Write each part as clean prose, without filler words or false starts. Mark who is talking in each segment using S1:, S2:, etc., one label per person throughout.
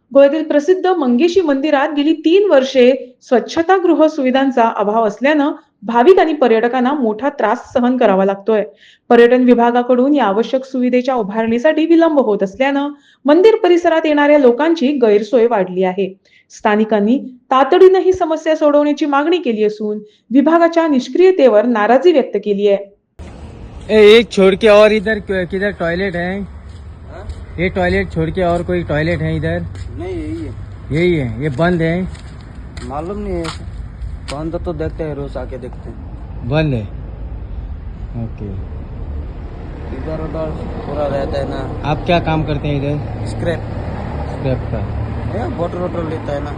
S1: गोव्यातील प्रसिद्ध मंगेशी मंदिरात गेली 3 वर्षे स्वच्छतागृह सुविधांचा अभाव असल्यानं भाविक आणि पर्यटकांना मोठा त्रास सहन करावा लागतोय. पर्यटन विभागाकडून या आवश्यक सुविधेच्या उभारणीसाठी विलंब होत असल्यानं मंदिर परिसरात येणाऱ्या लोकांची गैरसोय वाढली आहे. स्थानिकांनी तातडीनं ही समस्या सोडवण्याची मागणी केली असून विभागाच्या निष्क्रियतेवर नाराजी व्यक्त केली आहे.
S2: एक छोड़ के और इधर किधर टॉयलेट है?
S3: हाँ?
S2: ये टॉयलेट छोड़ के और कोई टॉयलेट है इधर?
S3: नहीं यही है।
S2: यही है, ये बंद है?
S3: मालूम नहीं है, बंद तो देखते हैं, रोज आके देखते हैं।
S2: बंद है, ओके।
S3: इधर उधर पूरा रहता है ना।
S2: आप क्या काम करते हैं इधर?
S3: स्क्रैप
S2: स्क्रैप का।
S3: बोटर वोटर लेता है ना।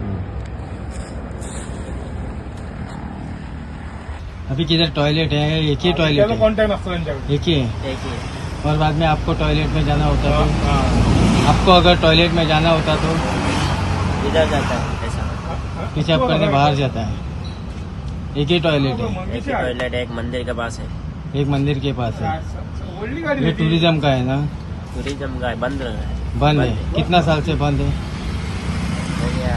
S2: अभी किधर टॉयलेट है? एक ही टॉयलेट है? एक ही है। और बाद में आपको टॉयलेट में जाना होता तो आपको अगर टॉयलेट में जाना होता तो
S3: इधर जाता है ऐसा।
S2: पेशाब करने बाहर जाता है। एक ही टॉयलेट है?
S3: एक ही टॉयलेट है, एक मंदिर के पास है।
S2: एक मंदिर के पास है। ये टूरिज्म का है ना?
S3: टूरिज्म का है, बंद है।
S2: बंद है। कितना साल से बंद है?
S3: हो गया,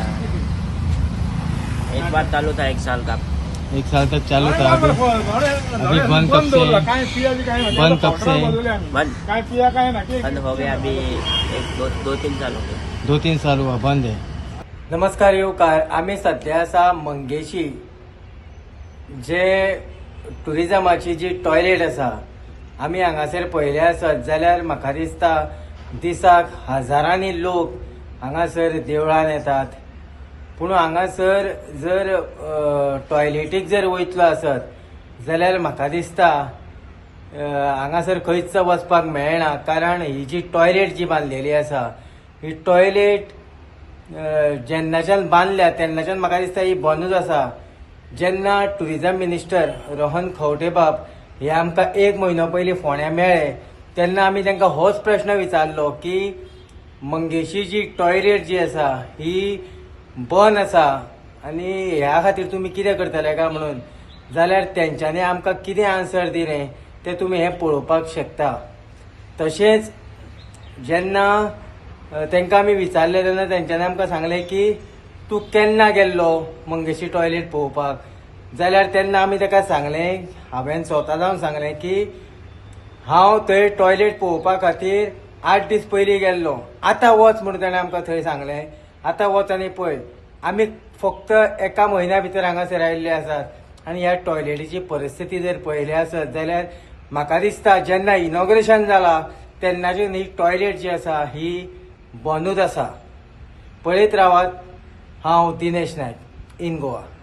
S3: एक बार चालू था 1 साल का।
S2: 1 साल तक चालू था। अभी बंद कब से है? बंद कब से है?
S3: बंद हो गया अभी 2-3 साल हो गए।
S2: 2-3 साल हुआ बंद है। नमस्कार येवकार, आम्ही सध्या आसा मंगेशी जे टुरिजमाची जी टॉयलेट आसा आम्ही हांगासर पळयले आसत जाल्यार म्हाका दिसता दिसाक हजारांनी लोक हांगासर देवळान येतात. पूण हांगासर जर टॉयलेटीक जर वयतलो आसत जाल्यार म्हाका दिसता हांगासर खंयच वचपाक मेळना, कारण ही जी टॉयलेट जी बांदलेली आसा ही टॉयलेट जेन्नाच्यान बांदल्या तेन्नाच्यान म्हाका दिसता ही बंदूच आसा. जेन्ना टुरिजम मिनिस्टर रोहन खंवटेबाब हे आमकां 1 म्हयनो पयलीं फोंड्या मेळ्ळे तेन्ना आमी तांकां होच प्रश्न विचारलो की मंगेशी जी टॉयलेट जी आसा ही बंद आसा आनी ह्या खातीर तुमी कितें करतले काय म्हणून. जाल्यार तेंच्यांनी आमकां कितें आन्सर दिलें तें तुमी हें पळोवपाक शकता. तशेंच जेन्ना तांकां आमी विचारलें तेन्ना तेंच्यांनी आमकां सांगलें की तूं केन्ना गेल्लो मंगेशी टॉयलेट पळोवपाक. जाल्यार तेन्ना आमी ताका सांगलें, हांवें स्वता जावन सांगलें की हांव थंय टॉयलेट पळोवपा खातीर 8 दीस पयलीं गेल्लो. आतां वच म्हणून ताणें आमकां थंय सांगलें. आतां वच आनी पळय. आमी फक्त 1 म्हयन्या भितर हांगासर आयिल्ले आसात आनी ह्या टॉयलेटीची परिस्थिती जर पळयली आसत जाल्यार म्हाका दिसता जेन्ना इनॉग्रेशन जालां तेन्नाच्यान ही टॉयलेट जी आसा ही बंदूच आसा. पळयत रावात. हांव दिनेश नायक, इन गोवा.